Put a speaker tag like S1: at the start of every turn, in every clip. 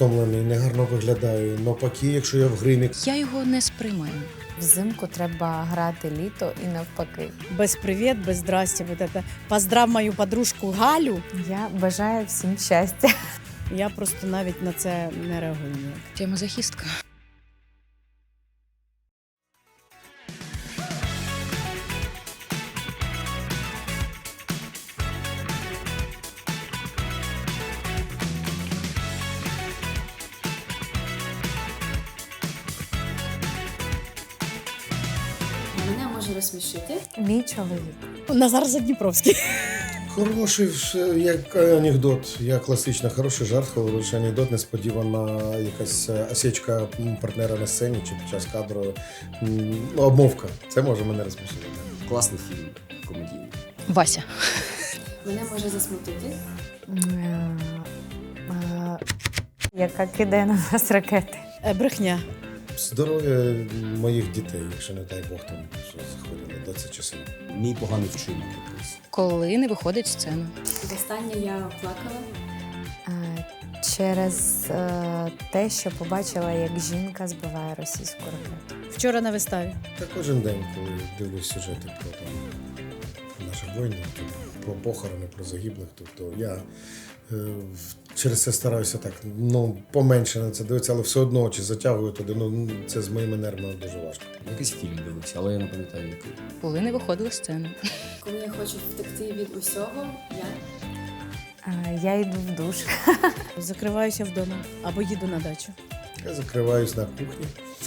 S1: стомлений, негарно виглядаю. Навпаки, якщо я в гримі.
S2: Я його не сприймаю.
S3: Взимку треба грати літо і навпаки.
S4: Без привіт, без здрасте. Вот это. Поздрав мою подружку Галю.
S3: Я бажаю всім щастя.
S4: Я просто навіть на це не реагую ніяк.
S2: Я мазохістка.
S5: Мене може розсмішити.
S3: Мій чоловік.
S4: Назар Задніпровський.
S1: Хороший, як анекдот, як класична, хороший жарт, хороший анекдот, несподівана якась осечка партнера на сцені чи під час кадру. Обмовка. Це може мене розсмішити.
S6: Класний фільм, комедійний.
S2: Вася.
S5: Мене може засмутити.
S3: Яка кидає на нас ракети.
S4: Брехня.
S1: Здоров'я моїх дітей, якщо не дай Бог там що захворіли, де це часом.
S6: Мій поганий вчинок якийсь.
S2: Коли не виходить в сцену.
S5: Востаннє я плакала.
S3: Через те, що побачила, як жінка збиває російську ракету.
S4: Вчора на виставі.
S1: Та кожен день, коли дивлюсь сюжети про там, наших воїнів, про похорони, про загиблих, тобто я через це стараюся так, поменше на це дивитися, але все одно чи затягую туди, це з моїми нервами дуже важко.
S6: Якийсь фільм дивився, але я не пам'ятаю який.
S2: Коли не виходила в сцену.
S5: Коли я хочу втекти від усього,
S3: Я йду в душ.
S4: Закриваюся вдома або їду на дачу.
S1: Я закриваюсь на кухні.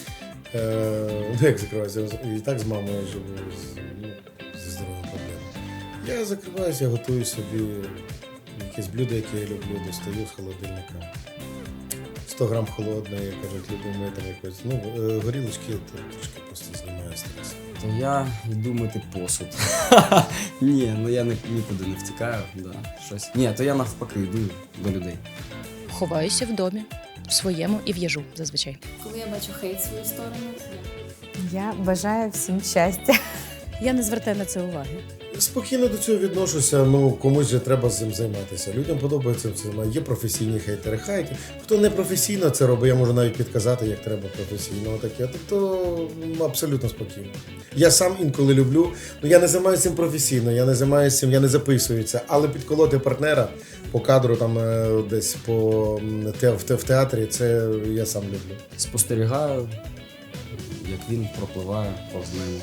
S1: Як закриваюся? І так з мамою живу, зі здоров'ям проблеми. Я закриваюся, я готую собі якесь блюдо, яке я люблю, достаю з холодильника. 100 грам холодної, кажуть, любимо там якось. Горілочки то трошки просто знімаю стрес.
S6: То я йду мити посуд. Ні, я нікуди не втікаю. Да, щось. Ні, то я навпаки йду до людей.
S2: Ховаюся в домі, в своєму і в'їжу зазвичай.
S5: коли я бачу хейт в свою сторону,
S3: Я бажаю всім щастя.
S4: Я не звертаю на це уваги.
S1: Спокійно до цього відношуся, комусь же треба з цим займатися. Людям подобається це. Є професійні хейтери. Хто не професійно це робить, я можу навіть підказати, як треба професійно. Таке. Тобто абсолютно спокійно. Я сам інколи люблю, я не займаюся цим професійно, я не займаюся цим, я не записую це. Але підколоти партнера по кадру там десь в театрі, це я сам люблю.
S6: Спостерігаю, як він пропливає повз мене.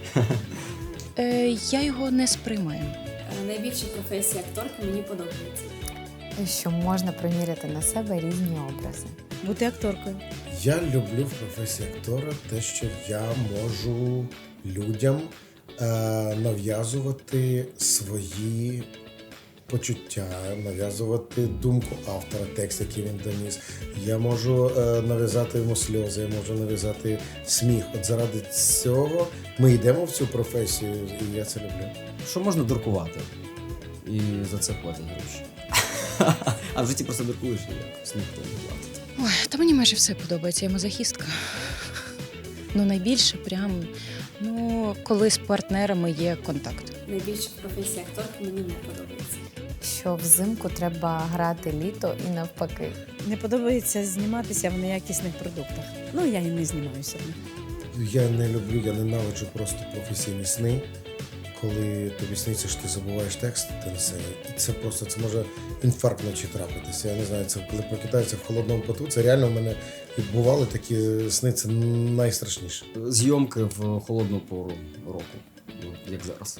S2: Я його не сприймаю.
S5: найбільша професія акторки мені подобається.
S3: Що можна приміряти на себе різні образи.
S4: Бути акторкою.
S1: Я люблю в професії актора те, що я можу людям нав'язувати свої почуття, нав'язувати думку автора, текст, який він доніс. Я можу нав'язати йому сльози, я можу нав'язати сміх. От заради цього ми йдемо в цю професію, і я це люблю.
S6: Що можна дуркувати? І за це платять гроші. А в житті просто дуркуєш і якось ніхто не платить.
S2: Ой, та мені майже все подобається, я мазохістка. Найбільше коли з партнерами є контакт.
S5: Найбільша професія акторки мені не подобається.
S3: Що взимку треба грати літо і навпаки.
S4: Не подобається зніматися в неякісних продуктах. Я і не знімаюся.
S1: Я не люблю, я ненавиджу просто професійні сни, коли тобі сниться, що ти забуваєш текст на сцені. І це може інфаркт вночі трапитися. Я не знаю, це коли прокидається в холодному поту, це реально в мене бували такі сни, це найстрашніше.
S6: Зйомки в холодну пору року, як зараз.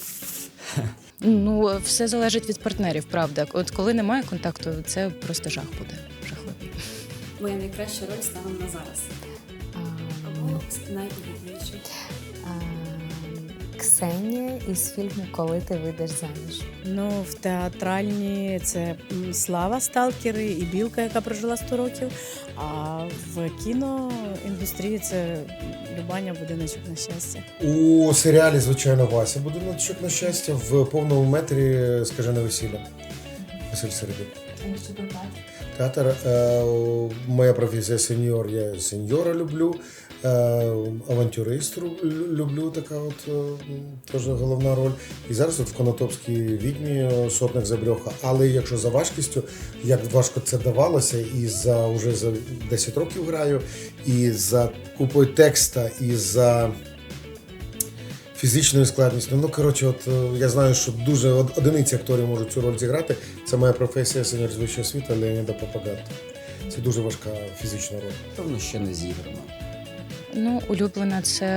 S2: Все залежить від партнерів, правда. От коли немає контакту, це просто жах буде. Жахливий.
S5: Моя найкраща роль станом на зараз. Або найулюбленіша.
S3: Ксенія із фільму «Коли ти вийдеш заміж».
S4: В театральній це Слава Сталкери і Білка, яка прожила 100 років. А в кіноіндустрії це Любаня Будиночок на щастя.
S1: У серіалі, звичайно, Вася Будиночок на щастя, в повному метрі «Скажене весілля». Василь Середюк. Театр, моя професія сеньор, я сеньора люблю, авантюрист люблю, така от теж головна роль. І зараз от в Конотопській відьмі сотник Забрьоха. Але якщо за важкістю, як важко це давалося, і вже за 10 років граю, і за купою текста, і за фізичною складністю. Ну, коротше, от я знаю, що дуже одиниці акторів можуть цю роль зіграти. Це моя професія сеньор з вищого світу Леоніда Попагатто. Це дуже важка фізична роль.
S6: Певно, ще не зіграно.
S2: Ну, улюблена це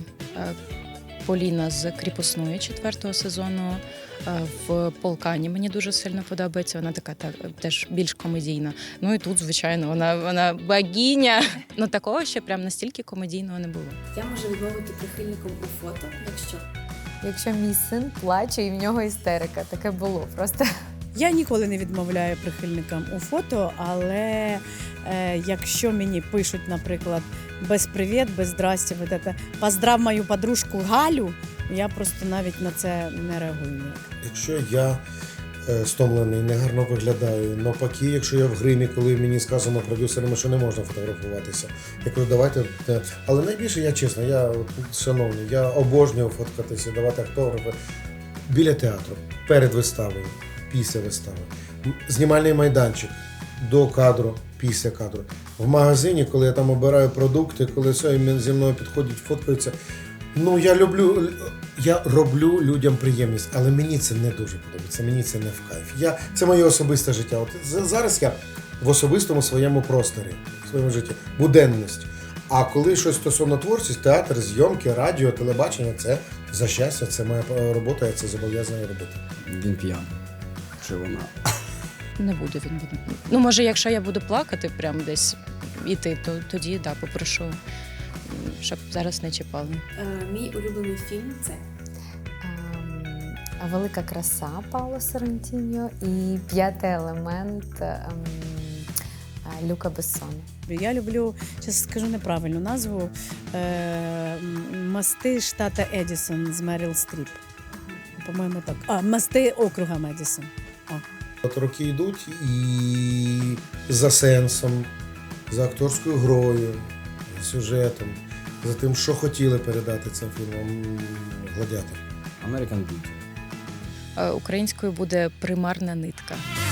S2: Поліна з кріпосної 4-го сезону. В Полкані мені дуже сильно подобається. Вона така теж більш комедійна. Ну і тут, звичайно, вона богиня. Ну такого ще прям настільки комедійного не було.
S5: Я можу відмовити прихильником у фото,
S3: Якщо мій син плаче і в нього істерика, таке було просто.
S4: Я ніколи не відмовляю прихильникам у фото, але якщо мені пишуть, наприклад, без привіт, без здрасте, вот это, поздрав мою подружку Галю, я просто навіть на це не реагую ніяк.
S1: Якщо я стомлений, негарно виглядаю, навпаки, якщо я в гримі, коли мені сказано продюсерами, що не можна фотографуватися, я кажу, давайте. Але найбільше я чесно, я шановний, я обожнюю фоткатися, давати автографи біля театру, перед виставою, після вистави, знімальний майданчик, до кадру, після кадру. В магазині, коли я там обираю продукти, коли все, і зі мною підходять, фоткаються. Ну, я роблю людям приємність, але мені це не дуже подобається, мені це не в кайф. Це моє особисте життя. От зараз я в особистому своєму просторі, в своєму житті, буденність. А коли щось стосовно творчості, театр, зйомки, радіо, телебачення, це за щастя, це моя робота, я це зобов'язаний робити.
S6: Він п'яний. Чи вона?
S2: Не буде він. Ну, може, якщо я буду плакати прям десь іти, то тоді попрошу, щоб зараз не чіпали.
S5: Мій улюблений фільм це
S3: Велика краса Пауло Соррентіньо і П'ятий елемент Люка Бессона.
S4: Я люблю, зараз скажу неправильну назву, «Мости штата Едісон» з Меріл Стріп. По-моєму, так. «Мости округа Медісон».
S1: От роки йдуть і за сенсом, за акторською грою, сюжетом, за тим, що хотіли передати цим фільмом «Гладіатор».
S6: American Beauty.
S2: Українською буде «Примарна нитка».